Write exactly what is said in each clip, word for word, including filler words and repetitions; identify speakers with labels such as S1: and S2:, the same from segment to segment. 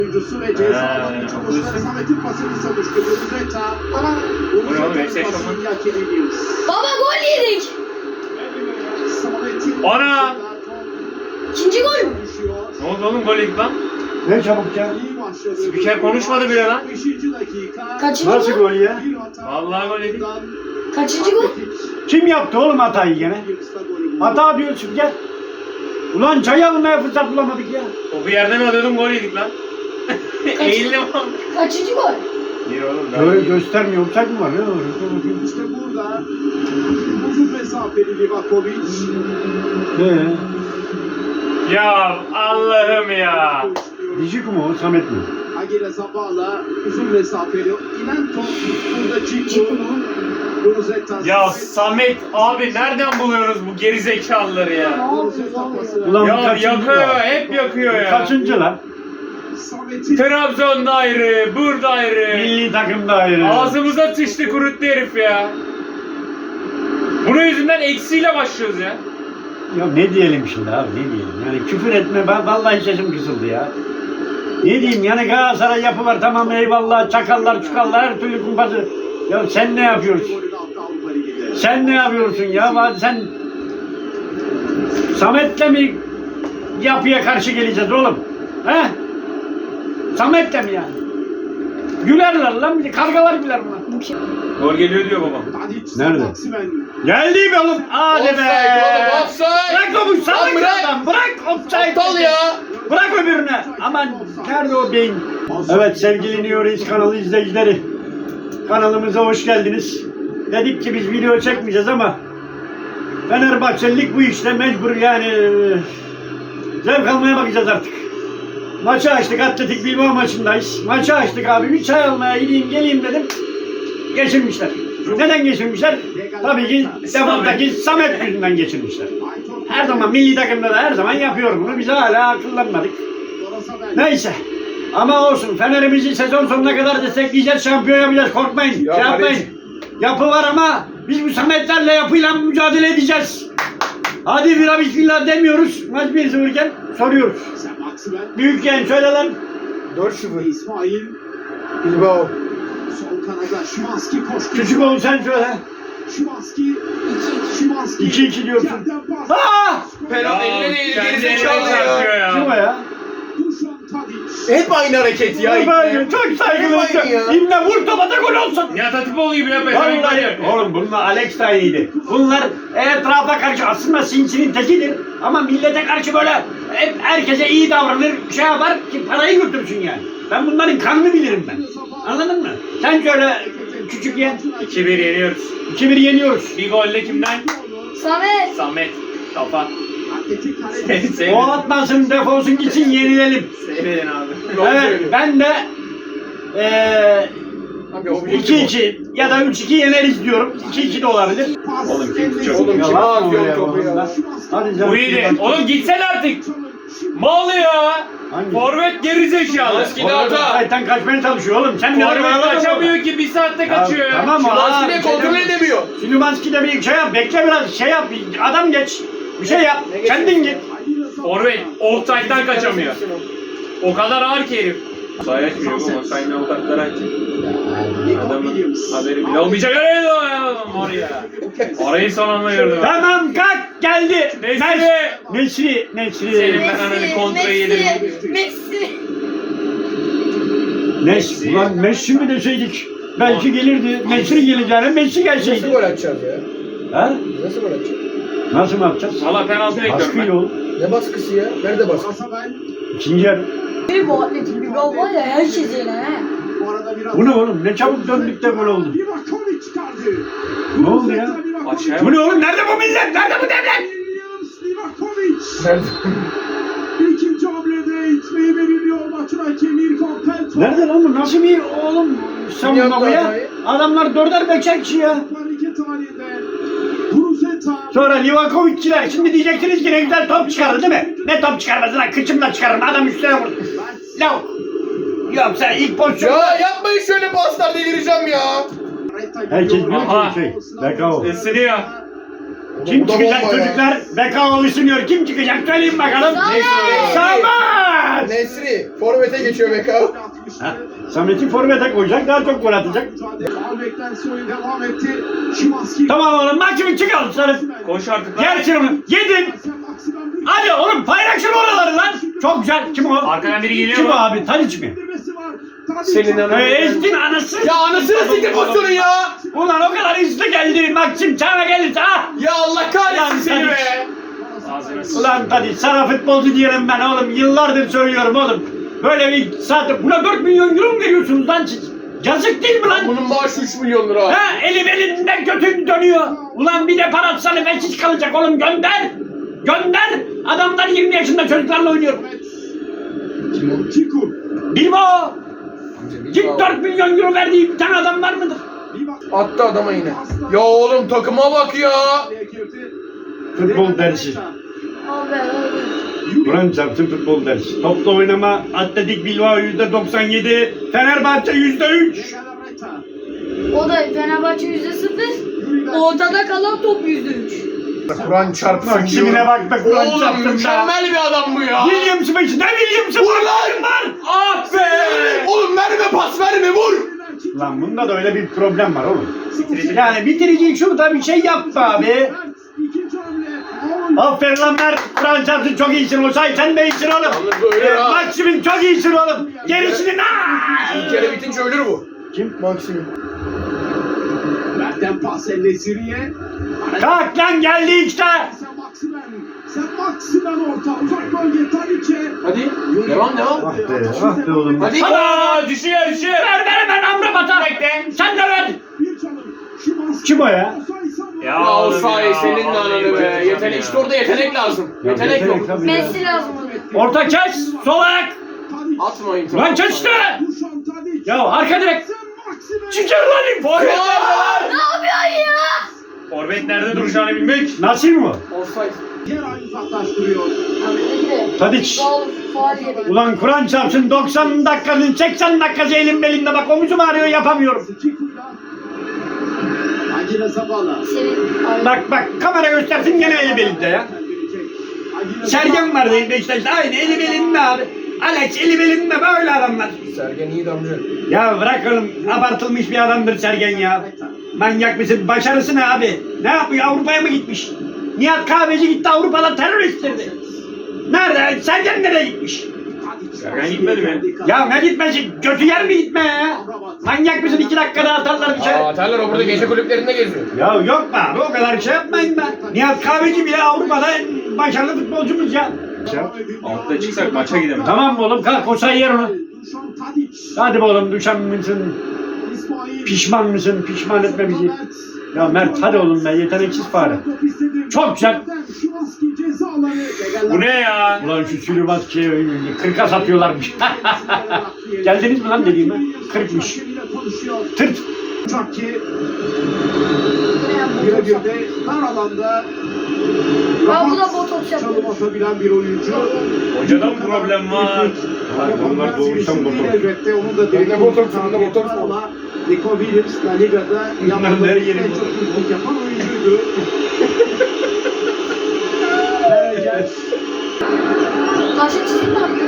S1: Oyuncusu ve ceza alanı çalışları Samet'in pasını savuştu. Gürüzeta.
S2: Ana.
S1: Gürüzeta'nın pasını hak ediyoruz.
S2: Baba gol yedik.
S1: Samet'in
S3: Ana!
S2: İkinci gol mü?
S3: Ne oldu oğlum gol yedik lan?
S4: Ne çabuk ya.
S3: Spiker konuşmadı bile lan.
S1: beşinci dakika.
S2: Kaçıncı
S4: Nasıl
S2: gol?
S4: gol ya?
S1: Bir hata.
S3: Vallahi gol yedik.
S2: Kaçıncı gol?
S4: Kim yaptı oğlum hatayı gene? Hata diyorsun gel. Ulan çay almaya fırsat bulamadık ya.
S3: Topu yerden alıyordum gol yedik lan. Eğildim ama.
S2: Kaçıncı gol?
S3: Bir oğlum daha.
S4: Böyle göstermiyor. Uçak mı var? Ne olur?
S1: İşte burada uzun mesafeli Livakovic.
S4: He.
S3: Ya Allah'ım ya.
S4: Dijik mi o? Samet mi?
S1: Agile Zabala uzun mesafeli. İnen top burada Ciku. Gürüzeta.
S3: Ya Samet abi nereden buluyoruz bu gerizekalıları ya?
S2: Ne yapıyorsun abi?
S4: Ulan bu
S3: Ya
S4: kaçıncı
S3: yakıyor,
S4: lan?
S3: hep yakıyor ya.
S4: Kaçıncı lan?
S1: Samet'in
S3: Trabzon'da ayrı, burada ayrı.
S4: Milli takımda ayrı.
S3: Ağzımıza sıçtı kuruttu herif ya. Bunun yüzünden eksiyle başlıyoruz ya.
S4: Ya ne diyelim şimdi abi ne diyelim? Yani küfür etme ben vallahi sesim kısıldı ya. Ne diyeyim yani Galatasaray yapı var tamam eyvallah çakallar çukallar her türlü kumpası. Ya sen ne yapıyorsun?
S1: golünü attı Avrupa Ligi'nde.
S4: Sen ne yapıyorsun ya? Hadi sen Samet'le mi yapıya karşı geleceğiz oğlum? He? Samet'le mi yani? Gülerler lan bir de kargalar güler buna.
S2: Bu kim?
S3: Gol geliyor diyor babam.
S1: Tadic,
S4: Nerede?
S1: Maximen.
S4: Geldi be oğlum. Hadi be.
S5: Offside oğlum, offside.
S4: Bırak oğlum salak
S5: Lan bırak.
S4: adam. Bırak offside.
S5: Aptal ya.
S4: Bırak öbürüne. Aman nerede o beyin? Evet sevgili New York kanalı izleyicileri. Kanalımıza hoş geldiniz. Dedik ki biz video çekmeyeceğiz ama Fenerbahçelilik bu işte mecbur yani e, zevk almaya bakacağız artık. Maçı açtık, Atletik Bilbao maçındayız. Maçı açtık abi, bir çay almaya gideyim geleyim dedim. Geçirmişler. Neden geçirmişler? Tabii ki defattaki Samet yüzünden geçirmişler. Her zaman milli takımda da her zaman yapıyorum bunu. Biz hala akıllanmadık. Neyse. Ama olsun. Fener'imizi sezon sonuna kadar destekleyeceğiz. Şampiyon yapacağız. Korkmayın.
S5: Ya
S4: şey yapmayın.
S5: Halit.
S4: Yapı var ama biz bu Sametlerle yapıyla mücadele edeceğiz. Hadi bira bismillah demiyoruz. Maç bir sıfır iken soruyoruz.
S1: Sen Maximen.
S4: Büyük genç söyle lan.
S5: dört sıfır.
S1: İsmail.
S5: Bilbao.
S1: Sol kanada Şimanski koştu.
S4: Küçük oğlu sen söyle.
S1: Şimanski. Şimanski.
S4: iki iki diyorsun.
S1: Yerden pas.
S4: Aa!
S5: Penaltı eline değil,
S3: kendi eline
S5: gerizekalı
S3: çarpıyor
S5: ya.
S4: Kim o
S3: ya.
S4: ya?
S1: Dušan Tadić.
S5: Hep aynı hareket ya.
S4: Böyle
S5: İbne.
S4: çok saygılı.
S5: Hep aynı ya.
S4: İmle vur topa da gol olsun.
S3: Nihat Hatipoğlu gibi ya.
S4: Vallahi oğlum bunlar Alex da iyiydi. Bunlar etrafa karşı aslında sinsinin tekidir. Ama millete karşı böyle hep herkese iyi davranır, şey yapar ki parayı götürsün yani. Ben bunların kanını bilirim ben. Anladın mı? Sen şöyle küçük yen.
S3: iki bir yeniyoruz.
S4: iki bir yeniyoruz.
S3: Bir golle kimden?
S2: Samet.
S3: Samet. Kafa.
S1: Atletik
S3: Seni
S1: kaleci.
S4: O
S3: seyredin.
S4: atmasın defolsun gitsin yenilelim.
S3: Seyredin abi.
S4: Evet ben de eee
S5: Abi o
S4: iki iki ya da üç iki yeneriz diyorum. iki iki de olabilir.
S1: Pas.
S3: Oğlum kim
S1: Eline-
S3: çok-
S5: Oğlum kim
S4: Yalan
S5: atıyor
S4: oraya
S5: topu ya?
S4: oğlum. Hadi canım.
S3: Bu iyiydi. Oğlum gitsene artık. Mal ya.
S4: Hangi?
S3: Forvet gerizekalı.
S5: Maske- Hata.
S4: Ayten kaçmaya çalışıyor oğlum. Sen ne
S3: Forvet kaçamıyor ki bir saatte kaçıyor ya.
S4: Tamam
S5: Şimanski
S4: abi,
S5: de
S4: bir şey
S5: kontrol
S4: deme.
S5: edemiyor.
S4: Süleymanski de bir şey yap. Bekle biraz şey yap. Adam geç. Bir şey yap.
S5: Ne
S4: Kendin git.
S3: Forvet offside'dan kaçamıyor. O kadar ağır ki herif. Sahaya çıkıyor bu offside'den avukatları açacak. Adamın haberi bile olmayacak. Öyle o ya. Oraya. Orayı son anda gördüm.
S4: Tamam kalk geldi.
S3: Nesri.
S4: Nesri. Nesri.
S3: Senin ben hani kontrayı yedim.
S2: Messi.
S4: Nesri. Ulan Messi mi deseydik? Belki gelirdi. Nesri geleceğine Messi
S5: Nasıl
S4: gelseydi.
S5: gol atacağız ya?
S4: Ha?
S5: Nasıl gol atacağız?
S4: Nasıl mı yapacağız?
S3: Valla penaltı bekliyorum
S4: Baskıyla
S3: ben.
S4: oğlum.
S5: Ne baskısı ya? Nerede baskı?
S1: Rasabel.
S4: İkinci yarı.
S2: Bir bu Atletik Bilbao var ya her şey yine he.
S1: Bu arada biraz.
S4: Bu ne oğlum? Ne çabuk döndük de gol oldu.
S1: Livakovic çıkardı.
S4: Ne oldu ya?
S3: Aşağıya
S4: Bu ne oğlum? Nerede bu millet? Nerede bu devlet?
S1: Williams Livakovic.
S5: Nerede?
S1: İkinci hamlede itmeyi belirliyor maçın hakemi İrfan Pelto.
S4: Nerede lan bu? Nasıl bir oğlum savunma bu ya?
S5: hatayı?
S4: Adamlar dörder beşer kişi ya.
S1: Hareket halinde. Gürüzeta.
S4: Sonra Livakovic'çiler şimdi diyeceksiniz ki ne güzel top çıkarır değil mi? Ne top çıkarmaz lan? Kıçımla çıkarırım. Adam üstüne vurdu. Lavuk. Yoksa ilk pozisyon.
S5: Ya yapmayın şöyle paslar, delireceğim ya.
S4: Herkes biliyor
S3: Aha.
S4: ki şey. Bekao.
S3: Isınıyor.
S4: Kim
S5: Bu da
S4: çıkacak
S5: bomba ya.
S4: çocuklar? Bekao ısınıyor. Kim çıkacak? Söyleyin bakalım.
S2: Samet.
S4: Samet. Samet!
S5: Nesri. Forvet'e geçiyor Beka.
S4: Ha, Samet'i forvete koyacak, daha çok gol atacak.
S1: Beklentisi oyun devam etti. Şimanski.
S4: Tamam oğlum, Maksim'i çıkar sarı.
S3: Koş artık lan.
S4: Gel şunu, yedin. Hadi oğlum, paylaşın oraları lan. Çok güzel, kim o?
S3: Arkadan biri geliyor
S4: Kim o
S3: mu?
S4: abi, Tadiç mi?
S5: Senin ananı.
S4: Hey, Ezdin anası.
S5: Ya anasını siktir pozisyonun ya.
S4: Ulan o kadar hızlı geldi, Maksim sana gelirse ha.
S5: Ya Allah kahretsin seni be.
S3: Ağzına sıçtı.
S4: Ulan Tadiç, sana futbolcu diyelim ben oğlum, yıllardır söylüyorum oğlum. Böyle bir saat, buna dört milyon euro mu veriyorsunuz lan siz? Yazık değil mi lan?
S5: Bunun maaşı üç milyon lira.
S4: Ha, elim elinden kötü dönüyor. Ulan bir de parasını veçiz kalacak oğlum, gönder. Gönder. Adamlar yirmi yaşında çocuklarla oynuyor.
S5: Kim o?
S1: Çiku.
S4: Bilme o.
S5: Amca,
S4: Git
S5: bilmem.
S4: dört milyon euro verdiği bir tane adam var mıdır?
S5: Attı adama yine. Ya oğlum takıma bak ya.
S4: Futbol dersi.
S2: Abi abi.
S4: Kur'an çarpsın futbol dersi. Topla oynama, Atletik Bilbao yüzde doksan yedi, Fenerbahçe yüzde üç.
S2: O da Fenerbahçe yüzde sıfır. Ortada kalan top yüzde üç.
S5: Kur'an çarpsın
S4: Maksimine
S5: diyorum.
S4: bak be, Kur'an
S5: Oğlum
S4: çarpsın be.
S5: mükemmel bir adam bu ya.
S4: Williams'ı beşi, ne Williams'ı
S5: Vur
S4: var?
S5: lan!
S4: Var.
S5: Ah be! Oğlum verme pas verme vur!
S4: Lan bunda da öyle bir problem var oğlum. Yani bitirici şurada bir şey yap be abi. Aferin lan Mert. Kur'an çarpsın, çok iyisin. O say sen de iyisin oğlum.
S5: Yalnız böyle
S4: Ee,
S5: ya.
S4: Maksim'in çok iyisin oğlum. Gerisini ne?
S5: İlk yarı bitince ölür bu.
S4: Kim?
S5: Maksimum.
S1: Mert'ten pas Enesiri'ye.
S4: Kalk lan, geldi işte.
S1: Sen Maksimen. Sen Maksimen orta. Uzak bölge Tadiç'e.
S5: Hadi devam devam.
S4: Ah be, ah be oğlum.
S5: Hadi.
S3: Aa, düşüyor düşüyor.
S4: Ver ver hemen Amrabat'a. Sen de ver.
S1: Bir çalım. Şimanski.
S4: Kim o ya?
S3: Ya
S5: Ya o
S3: oğlum
S5: sahi
S3: ya,
S5: senin
S3: vallahi
S5: ananı be.
S3: bayılacağım
S5: Yetenek
S3: ya.
S5: işte orada yetenek lazım.
S4: Ya
S5: Yetenek
S4: yetenek
S5: yok.
S4: tabii ya.
S2: Messi lazım ona.
S4: Orta kes. Sol ayak.
S5: Atmayın.
S4: Lan kes işte.
S1: Duşan Tadiç.
S4: Ya arka direkt.
S1: Sen Maksimen.
S4: Çıkar lan. Forvet.
S2: Ne yapıyorsun ya?
S3: Forvet nerede duracağını bilmek.
S4: Nasıl mı?
S5: Offside.
S1: Yer aynı uzaklaştırıyor.
S2: Abi ne gibi?
S4: Tadiç.
S2: Faul, faul yedik.
S4: Ulan Kur'an çarpsın, doksan dakikanın seksen dakikası elim belimde, bak omuzum ağrıyor, yapamıyorum.
S1: Çiku'yla. Agile Zabala.
S2: Senin abi.
S4: Bak bak, kamera göstersin gene elim elimde ya. Sergen vardı Beşiktaş'ta, aynı elim elimde abi. Alex elim elimde, böyle adamlar.
S5: Sergen iyi de amca.
S4: Ya bırak oğlum, abartılmış bir adamdır Sergen ya. Manyak mısın? Başarısı ne abi? Ne yapıyor? Avrupa'ya mı gitmiş? Nihat Kahveci gitti Avrupa'da teröristtirdi. Nerede? Sergen nereye gitmiş?
S3: Sergen gitmedi mi?
S4: Ya ne gitmesi? Götü yer mi gitme ya? Manyak mısın? İki dakikada atarlar bir şey.
S5: Aa Terler o burada gece kulüplerinde geziyor.
S4: Ya yok be abi, o kadar şey yapmayın be. Nihat Kahveci bile Avrupa'da en başarılı futbolcumuz ya.
S3: Altta çıksak maça gidemeyiz.
S4: Tamam mı oğlum? Kalk, o say yer onu.
S1: Duşan Tadiç.
S4: Hadi be oğlum, düşen mısın?
S1: İsmail.
S4: Pişman mısın? Pişman etme bizi. Ya Mert hadi oğlum be, yeteneksiz fare. Çok güzel.
S1: Şimanski cezaları.
S3: Bu ne ya?
S4: Ulan şu Süleymanski'ye kırka satıyorlarmış. Geldiniz mi lan dediğime? Kırkmış. Tırt.
S1: Çakki
S2: Bu ne ya?
S1: birebir de dar alanda
S2: Ha, bu da
S1: rahat
S2: botoks
S1: çalım
S2: yapıyor.
S1: atabilen bir oyuncu.
S3: Hocada mı problem var?
S4: Bunlar doğuştan botoks.
S1: Elbette onun da
S5: Bunda botoks, bunda botoks.
S1: ama Nico Williams La Liga'da
S4: Bunların
S1: yaptığı
S4: her
S1: en
S4: yeri
S1: çok
S4: botoks.
S1: hızlık yapan oyuncuydu. Berger.
S2: Karşı çizim ne yapıyor?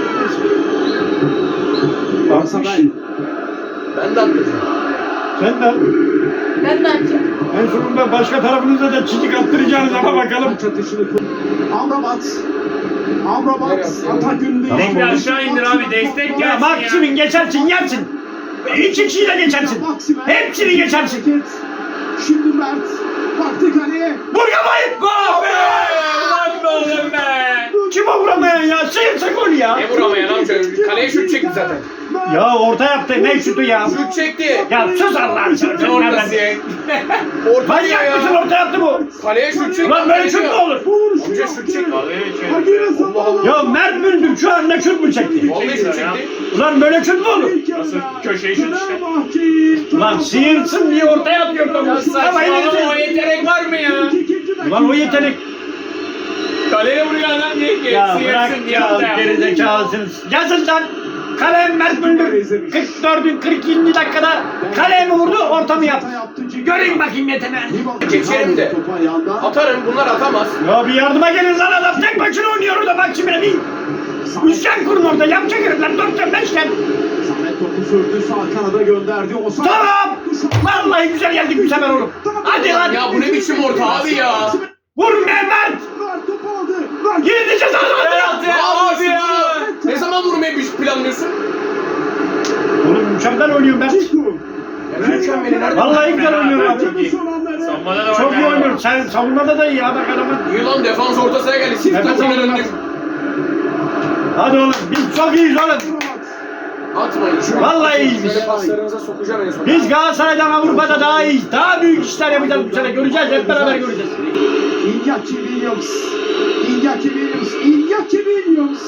S1: Galatasaray.
S5: Ben de attım.
S4: Sen de
S2: Ben de açayım.
S4: en sonunda başka tarafınıza da çizik attıracağınız ama bakalım.
S1: Maç atışını kur. Amrabat. Amrabat
S5: Nereye
S1: atak ünlü.
S4: Tamam
S3: Destek
S4: oğlum.
S3: aşağı indir abi, destek
S4: Ya
S3: gelsin ya.
S4: Maksim'in geçersin, yersin. İki kişiyle geçersin. Hepsini geçersin.
S1: Şimdi Mert. Baktı kaleye.
S4: Vur kafayı.
S3: Gol be! Ulan be oğlum be!
S4: Kim o vuramayan ya? Sıyırsa gol ya.
S5: Ne vuramayan amca? Kaleye şut çekti zaten.
S4: Ya orta yaptı, ne şutu ya?
S5: Şut çekti.
S4: Ya sus Allah'ını seversen.
S5: Ne ortası ya? Orta diyor
S4: Manyak mısın,
S5: ya.
S4: orta yaptı bu?
S5: Kaleye şut çekti.
S4: Ulan böyle şut mu olur?
S5: Amca şut çekti.
S1: Agile Zabala.
S4: Ya Mert Müldür şu anda şut mu çekti?
S5: Vallahi şut çekti.
S4: Ulan böyle şut mu olur?
S3: Nasıl köşeyi şut işte.
S4: Ulan sıyırsın diye ortaya atıyor
S5: Ya
S4: topu. Kafayı
S5: saçmalama o
S4: verirsin.
S5: yetenek var mı ya?
S4: Ulan o yetenek.
S3: Kaleye vuruyor adam diye ki.
S4: Ya bırak
S3: sıyırsın diye
S4: ya,
S3: ortaya yaptı.
S4: gerizekalısınız. Yazın lan. Kalem Mert Müldür. kırk dördüncü kırk ikinci dakikada kaleye mi vurdu, orta mı yaptı? Göreyim bakayım yeteneği.
S5: Geçerim de.
S1: Topu ayağında.
S5: Atarım bunlar atamaz.
S4: Ya bir yardıma gelin lan, adam tek başına oynuyor orada, bak şimdi bir. Üçgen kurun orada. Yapacak herifler. Dörtgen, beşgen.
S1: Samet topu sürdü, sağ kanada gönderdi. Osayi.
S4: Tamam. Vallahi güzel geldik bu sefer oğlum. Hadi hadi.
S5: Ya bu ne biçim orta abi ya?
S4: Vur Mehmet.
S1: Ver topu aldı. Ver.
S4: Gideceğiz
S3: Penaltı
S4: Allah'ım.
S3: abi ya.
S5: Ne zaman vurmayı planlıyorsun?
S4: Oğlum mükemmel oynuyorum ben.
S5: Mükemmel. Nerede?
S4: Vallahi güzel oynuyorum abi.
S3: Çok iyi. Savunmada da var.
S4: Çok iyi
S3: ya.
S4: oynuyorum. Sen savunmada da iyi ya bak adamın.
S5: İyi lan defans orta sahaya geldi. Çift
S4: Nefes
S5: topuna
S4: alın.
S5: döndük.
S4: Hadi oğlum biz çok iyiyiz oğlum.
S5: Atmayın şunu.
S4: Vallahi iyiyiz biz.
S5: Şöyle paslarınıza sokacağım en son.
S4: Biz Galatasaray'dan Avrupa'da daha iyiyiz. Daha büyük işler yapacağız bu sene. Göreceğiz, hep beraber göreceğiz.
S1: Iñaki Williams. Iñaki Williams. Iñaki Williams.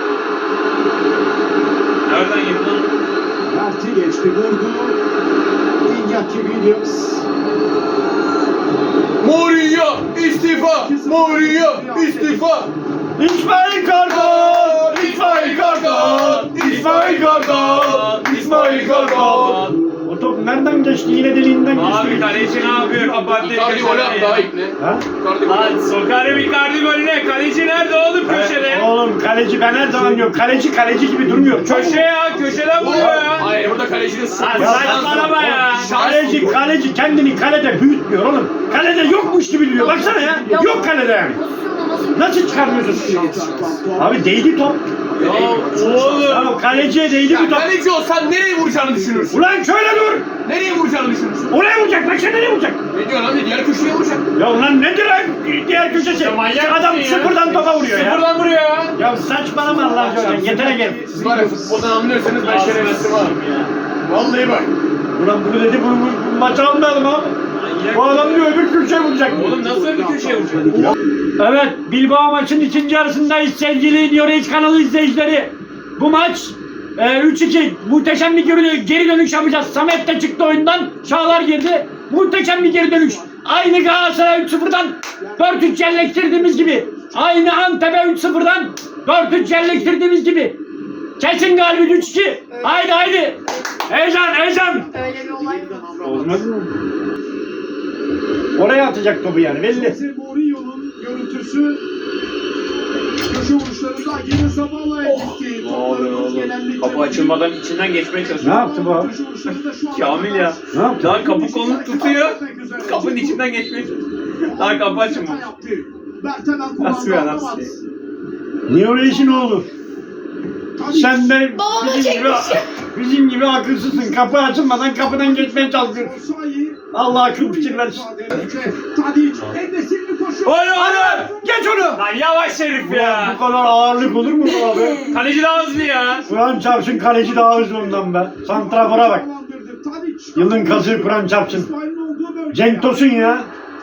S3: Nereden girdi lan?
S1: Mert'i geçti, vurdu. Iñaki Williams.
S5: Mourinho istifa. Mourinho istifa.
S4: İsmail Kartal! İsmail Kartal! İsmail Kartal! İsmail Kartal! O top nereden geçti? Yine deliğinden geçti.
S3: Abi kaleci ne yapıyor? Kapattı.
S5: Icardi gol attı daha ilk ne?
S4: Ha?
S5: Icardi gol
S3: Lan
S5: attı.
S3: sokarım Icardi golüne. Kaleci nerede oğlum köşede?
S4: Evet, oğlum kaleci ben her zaman diyorum. Kaleci kaleci gibi durmuyor. Çok
S3: Köşe ya köşeden vuruyor ya.
S5: Hayır burada kalecinin
S3: Lan
S5: sıkıntı.
S3: saçmalama ya.
S4: Kaleci kaleci kendini kalede büyütmüyor oğlum. Kalede yokmuş gibi duruyor. Baksana ya. Yok kalede yani.
S2: Pozisyonu nasıl?
S4: Nasıl çıkarmıyorsun? Abi değdi top.
S3: Ya oğlum.
S4: Ya kaleciye değdi
S5: Ya
S4: bu top.
S5: kaleci olsan nereye vuracağını düşünürsün?
S4: Ulan şöyle dur.
S5: Nereye vuracağını düşünürsün?
S4: Oraya vuracak. Bak sen nereye vuracak?
S5: Ne diyorsun abi? Diğer köşeye vuracak.
S4: Ya ulan nedir lan? Diğer köşesi.
S3: Ya manyak
S4: Adam
S3: mısın ya?
S4: sıfırdan topa vuruyor ya.
S3: Sıfırdan vuruyor ya.
S4: Ya saçmalama Allah aşkına. Yetere gel.
S5: Siz var ya futboldan anlıyorsanız ben
S3: Ağzına
S5: şerefsizim ha.
S3: sıçayım ya.
S5: Vallahi bak.
S4: Ulan bunu dedi bunu, bu, bu maçı almayalım abi.
S3: Manyak
S4: Bu adam diyor öbür köşeye vuracak.
S3: Oğlum nasıl bir köşeye vuracak?
S4: Evet, Bilbao maçın ikinci yarısındayız sevgili Diyorez kanalı izleyicileri. Bu maç e, üç iki muhteşem bir geri, geri dönüş yapacağız. Samet de çıktı oyundan, Çağlar girdi. Muhteşem bir geri dönüş. Aynı Galatasaray üç sıfırdan dört üç yerleştirdiğimiz gibi. Aynı Antep'e üç sıfırdan dört üç yerleştirdiğimiz gibi. Kesin galibiyet üç iki. Haydi haydi. Heyecan heyecan.
S2: Öyle bir olay mı?
S4: Olmaz mı? Oraya atacak topu yani belli.
S1: Jose Mourinho'nun görüntüsü. Köşe vuruşlarında yine Zabala'ya gitti.
S3: Ne oluyor oğlum? Kapı açılmadan içinden geçmeye
S4: Ne
S3: çalışıyor.
S4: yaptı bu abi?
S1: Köşe vuruşlarında şu ana
S3: Kamil ya.
S4: Ne yaptı?
S3: Lan kapı kolunu tutuyor. Kapının içinden geçmeye çalışıyor. Lan kapı açılmamış. Nasıl ya nasıl?
S4: Niye öyle işin oğlu? Sen de
S2: Babama
S4: bizim gibi,
S2: çekmiş.
S4: bizim gibi akılsızsın. Kapı açılmadan kapıdan geçmeye çalışıyorsun. Allah akıl fikir versin.
S1: Tadic, Enes'in koşuyor.
S3: Oğlum oğlum.
S4: Geç onu.
S3: Lan yavaş herif
S4: Bu
S3: ya.
S4: kadar ağırlık olur mu bu abi?
S3: Kaleci daha hızlı ya.
S4: Kur'an çarpsın kaleci daha hızlı ondan be. Santrafora bak. Yılın kazığı Kur'an çarpsın. Cenk Tosun ya.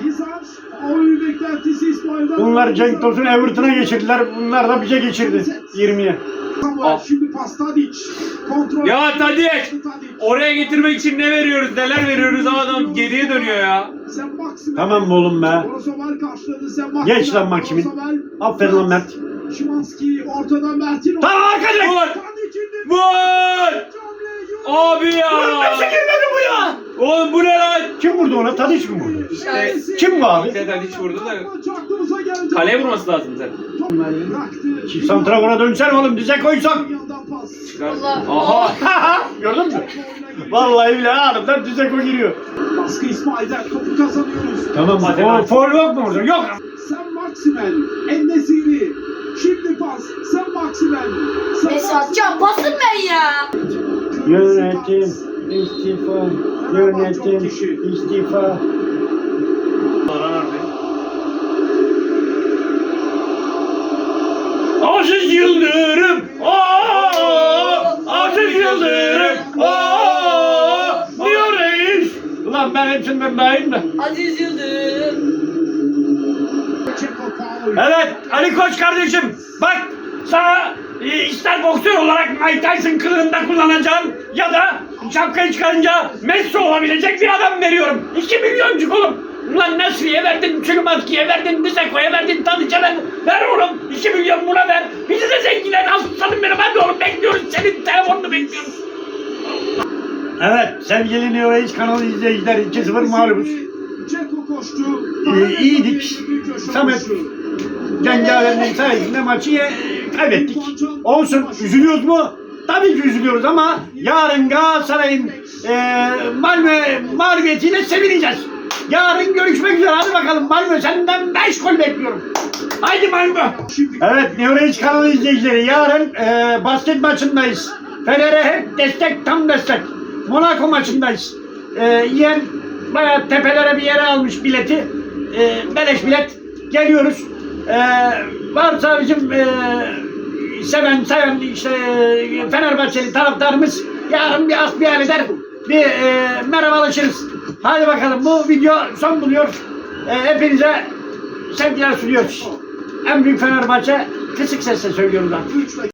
S4: Bunlar Cenk Tosun Everton'a geçirdiler. Bunlar da bize geçirdi. yirmiye.
S1: Şimdi pas Tadic. Kontrol.
S3: Ya Tadic. Oraya getirmek için ne veriyoruz neler veriyoruz ama adam geriye dönüyor ya.
S1: Sen Maximen.
S4: Tamam mı oğlum be?
S1: Brozoval karşıladı. Sen Maximen.
S4: Geç lan Maximin.
S1: Brozoval.
S4: Aferin lan Mert.
S1: Şimanski ortadan Mert'in.
S4: Tamam arkadaş.
S3: Vur.
S1: Tadic indirdi.
S3: Vur. Abi ya.
S4: Nasıl girmedi bu ya?
S3: Oğlum bu ne lan?
S4: Kim vurdu ona? Tadiç mi vurdu?
S3: İşte
S4: Kim bu abi?
S3: İşte Tadic vurdu da kaleye vurması lazım zaten.
S4: Çift santrafora dönsen oğlum dize koysan.
S3: Çıkar.
S2: Allah.
S3: Aha.
S4: Gördün mü? Vallahi bile anında dize koy giriyor.
S1: Baskı İsmail'den topu kazanıyoruz.
S4: Tamam
S3: Hadi
S4: o
S3: lan.
S4: foul yok mu burada? Yok.
S1: Sen Maximen. En-Nesyri. Şimdi pas. Sen Maximen. Sen
S2: Messi atacağım. Basın ben ya.
S4: Yönetim istifa. Yönetim istifa. Aziz Yıldırım. Aa! Aziz Yıldırım. Aa! Diyor reis. Ulan ben hepsinden daha iyiyim de.
S2: Aziz Yıldırım.
S4: Evet Ali Koç kardeşim bak sana e, ister boksör olarak Mike Tyson kılığında kullanacağım ya da şapkayı çıkarınca Messi olabilecek bir adam veriyorum. iki milyoncuk oğlum. Ulan Nasri'ye verdin, Çülmaski'ye verdin, Biseko'ya verdin, Tadiç'e ver. Ver oğlum iki milyon buna ver. Bizi de zengilen aslanım benim hadi oğlum bekliyoruz senin telefonunu bekliyoruz. Evet sevgili New Age kanalı izleyiciler iki sıfır mağlubuz.
S1: Ceko koştu.
S4: Ee, iyiydik. Samet Cengaver'in sayesinde maçı ye- kaybettik. Olsun, üzülüyoruz mu? Tabii ki üzülüyoruz ama yarın Galatasaray'ın e, Malmö mağlubiyetiyle sevineceğiz. Yarın görüşmek üzere. Hadi bakalım Malmö, senden beş gol bekliyorum. Haydi Malmö. Evet, Neorange kanalı izleyicileri, yarın e, basket maçındayız. Fener'e hep destek, tam destek. Monaco maçındayız. E, Yeğen bayağı tepelere bir yere almış bileti. E, beleş bilet. Geliyoruz. E, varsa bizim e, seven, seven işte e, Fenerbahçeli taraftarımız yarın bir asbihal eder. Bir e, merhabalaşırız. Hadi bakalım, bu video son buluyor. E, hepinize sevgiler sunuyoruz. En büyük Fenerbahçe kısık sesle söylüyoruz artık.